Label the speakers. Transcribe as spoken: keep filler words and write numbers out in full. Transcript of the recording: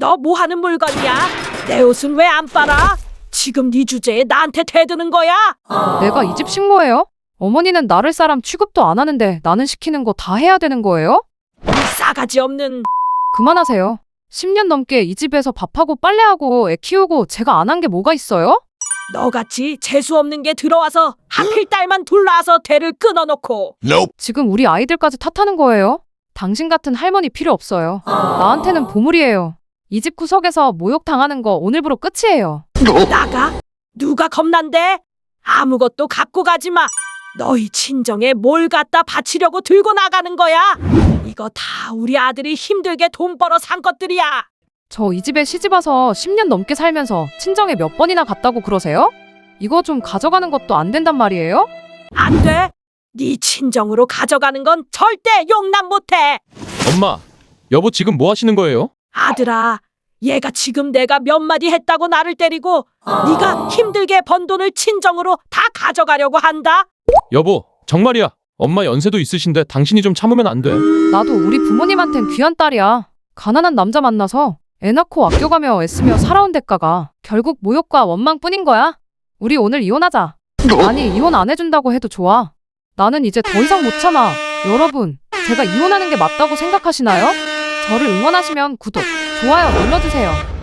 Speaker 1: 너 뭐 하는 물건이야? 내 옷은 왜 안 빨아? 지금 네 주제에 나한테 대드는 거야?
Speaker 2: 내가 이 집 식모예요? 어머니는 나를 사람 취급도 안 하는데 나는 시키는 거 다 해야 되는 거예요?
Speaker 1: 이 싸가지 없는.
Speaker 2: 그만하세요. 십 년 넘게 이 집에서 밥하고 빨래하고 애 키우고 제가 안 한 게 뭐가 있어요?
Speaker 1: 너같이 재수 없는 게 들어와서 하필 딸만 둘 낳아서 대를 끊어놓고.
Speaker 2: 지금 우리 아이들까지 탓하는 거예요? 당신 같은 할머니 필요 없어요. 나한테는 보물이에요. 이 집 구석에서 모욕 당하는 거 오늘부로 끝이에요.
Speaker 1: 나가? 누가 겁난데? 아무것도 갖고 가지 마. 너희 친정에 뭘 갖다 바치려고 들고 나가는 거야? 이거 다 우리 아들이 힘들게 돈 벌어 산 것들이야.
Speaker 2: 저 이 집에 시집 와서 십 년 넘게 살면서 친정에 몇 번이나 갔다고 그러세요? 이거 좀 가져가는 것도 안 된단 말이에요?
Speaker 1: 안 돼. 네 친정으로 가져가는 건 절대 용납 못해.
Speaker 3: 엄마, 여보 지금 뭐 하시는 거예요?
Speaker 1: 아들아, 얘가 지금 내가 몇 마디 했다고 나를 때리고 네가 힘들게 번 돈을 친정으로 다 가져가려고 한다.
Speaker 3: 여보, 정말이야. 엄마 연세도 있으신데 당신이 좀 참으면 안 돼.
Speaker 2: 나도 우리 부모님한텐 귀한 딸이야. 가난한 남자 만나서 애 낳고 아껴가며 애쓰며 살아온 대가가 결국 모욕과 원망뿐인 거야. 우리 오늘 이혼하자. 아니, 이혼 안 해준다고 해도 좋아. 나는 이제 더 이상 못 참아. 여러분, 제가 이혼하는 게 맞다고 생각하시나요? 저를 응원하시면 구독, 좋아요 눌러주세요.